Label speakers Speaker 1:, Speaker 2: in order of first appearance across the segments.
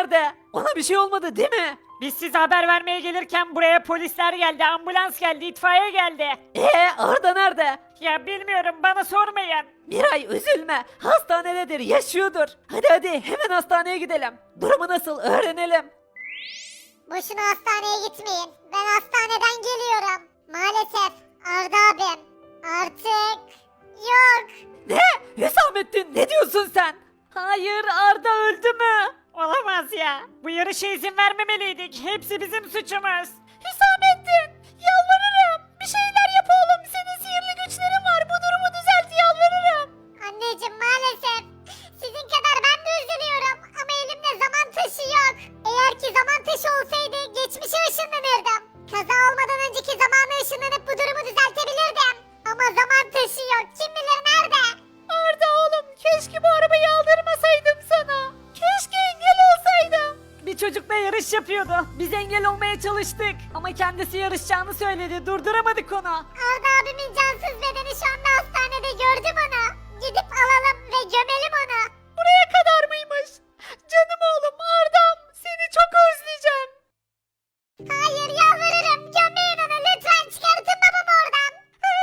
Speaker 1: nerede? Ona bir şey olmadı değil mi?
Speaker 2: Biz size haber vermeye gelirken buraya polisler geldi, ambulans geldi, itfaiye geldi.
Speaker 1: Arda nerede?
Speaker 2: Ya bilmiyorum, bana sormayın.
Speaker 1: Miray üzülme. Hastanededir, yaşıyordur. Hadi hemen hastaneye gidelim. Durumu nasıl öğrenelim.
Speaker 3: Boşuna hastaneye gitmeyin. Ben hastaneden geliyorum. Maalesef Arda abim artık yok.
Speaker 1: Ne? Hüsamettin ne diyorsun sen? Hayır Arda öldü mü?
Speaker 2: Olamaz ya. Bu yarışa izin vermemeliydik. Hepsi bizim suçumuz.
Speaker 1: Hüsamettin yalvarırım. Bir şeyler yap oğlum. Senin sihirli güçlerin var. Bu durumu düzelt yalvarırım.
Speaker 3: Anneciğim maalesef sizin kadar ben de üzülüyorum ama elimde zaman taşı yok. Eğer ki zaman taşı olsaydı geçmişe ışınlanırdım. Kaza olmadan önceki zamana ışınlanıp bu durumu düzeltebilirdim. Ama zaman taşı yok. Kim bilir nerede?
Speaker 1: Arda oğlum keşke bu arabayı aldırmasaydım sana. Keşke engel olsaydım. Bir çocukla yarış yapıyordu. Biz engel olmaya çalıştık. Ama kendisi yarışacağını söyledi. Durduramadık onu.
Speaker 3: Arda abimin cansız bedeni şu anda hastanede, gördüm onu. Gidip alalım ve gömelim onu.
Speaker 1: Buraya kadar mıymış? Canım oğlum Arda'm seni çok özleyeceğim.
Speaker 3: Hayır yalvarırım, gömmeyin onu lütfen, çıkartın babamı oradan.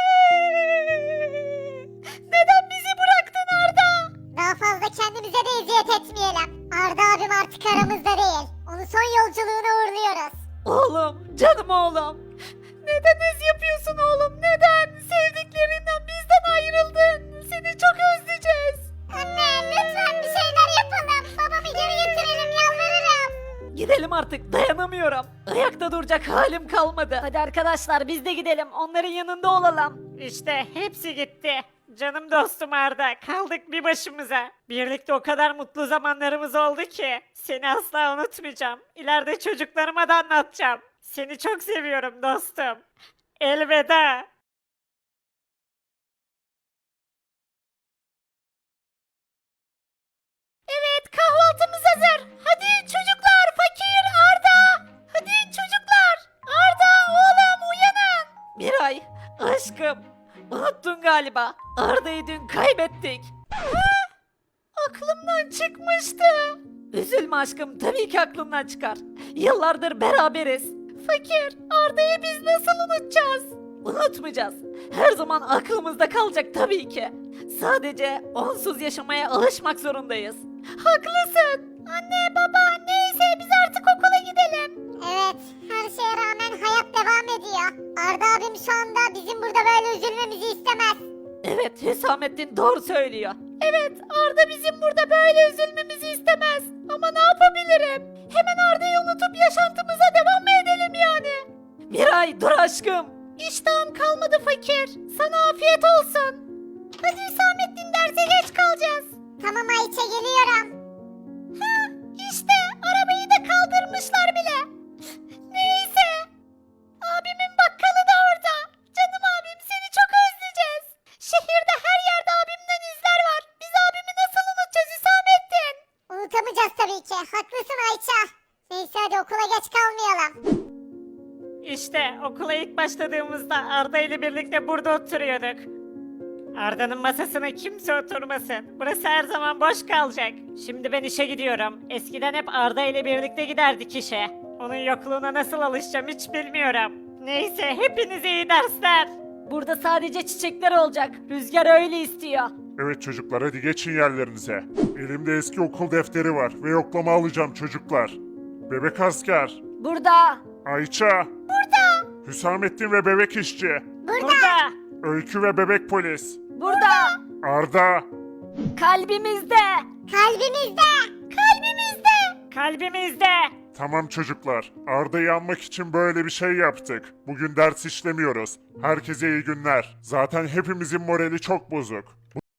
Speaker 1: Neden bizi bıraktın Arda?
Speaker 3: Daha fazla kendimize de eziyet etmeyelim. Arda abim artık aramızda değil. Onu son yolculuğuna uğurluyoruz.
Speaker 1: Oğlum, canım oğlum. Neden ez yapıyorsun oğlum? Neden? Sevdiklerinden bizden ayrıldın. Seni çok özleyeceğiz.
Speaker 3: Anne lütfen bir şeyler yapalım. Babamı geri getirelim yalvarırım.
Speaker 1: Gidelim artık, dayanamıyorum. Ayakta duracak halim kalmadı. Hadi arkadaşlar biz de gidelim. Onların yanında olalım.
Speaker 2: İşte hepsi gitti. Canım dostum Arda, kaldık bir başımıza. Birlikte o kadar mutlu zamanlarımız oldu ki. Seni asla unutmayacağım. İleride çocuklarıma da anlatacağım. Seni çok seviyorum dostum. Elveda.
Speaker 1: Evet, kahvaltımız hazır. Hadi çocuklar, fakir, Arda. Hadi çocuklar. Arda, oğlum uyanın. Miray, aşkım. Unuttun galiba. Arda'yı dün kaybettik. Aklımdan çıkmıştı. Üzülme aşkım, tabii ki aklından çıkar. Yıllardır beraberiz. Fakir, Arda'yı biz nasıl unutacağız? Unutmayacağız. Her zaman aklımızda kalacak tabii ki. Sadece onsuz yaşamaya alışmak zorundayız. Haklısın. Anne, baba, neyse biz artık okula gidelim.
Speaker 3: Evet, her şeye rağmen hayat devam ediyor. Arda abim şu anda bizim burada böyle üzülmemizi istemez.
Speaker 1: Evet, Hüsamettin doğru söylüyor. Evet, Arda bizim burada böyle üzülmemizi istemez. Ama ne yapabilirim? Hemen Arda'yı unutup yaşantımıza devam mı edelim yani? Miray, dur aşkım. İştahım kalmadı fakir. Sana afiyet olsun. Hadi Hüsamettin, derse geç kalacağız.
Speaker 3: Tamam Ayça, geliyorum.
Speaker 1: İşte arabayı da kaldırmışlar bile. Neyse. Abimin bakkalı da orada. Canım abim, seni çok özleyeceğiz. Şehirde her yerde abimden izler var. Biz abimi nasıl unutacağız Hüsamettin?
Speaker 3: Unutamayacağız tabii ki. Haklısın Ayça. Neyse hadi okula geç kalmayalım.
Speaker 2: İşte okula ilk başladığımızda Arda ile birlikte burada oturuyorduk. Arda'nın masasına kimse oturmasın. Burası her zaman boş kalacak. Şimdi ben işe gidiyorum. Eskiden hep Arda ile birlikte giderdik işe. Onun yokluğuna nasıl alışacağım hiç bilmiyorum. Neyse, hepinize iyi dersler.
Speaker 1: Burada sadece çiçekler olacak. Rüzgar öyle istiyor.
Speaker 4: Evet çocuklar hadi geçin yerlerinize. Elimde eski okul defteri var ve yoklama alacağım çocuklar. Bebek asker,
Speaker 1: Burada.
Speaker 4: Ayça, burada. Hüsamettin ve bebek işçi,
Speaker 2: Burada.
Speaker 4: Öykü ve bebek polis,
Speaker 1: Burada.
Speaker 4: Arda,
Speaker 1: Kalbimizde.
Speaker 3: Kalbimizde. Kalbimizde.
Speaker 2: Kalbimizde.
Speaker 4: Tamam çocuklar, Arda'yı anmak için böyle bir şey yaptık. Bugün ders işlemiyoruz. Herkese iyi günler. Zaten hepimizin morali çok bozuk.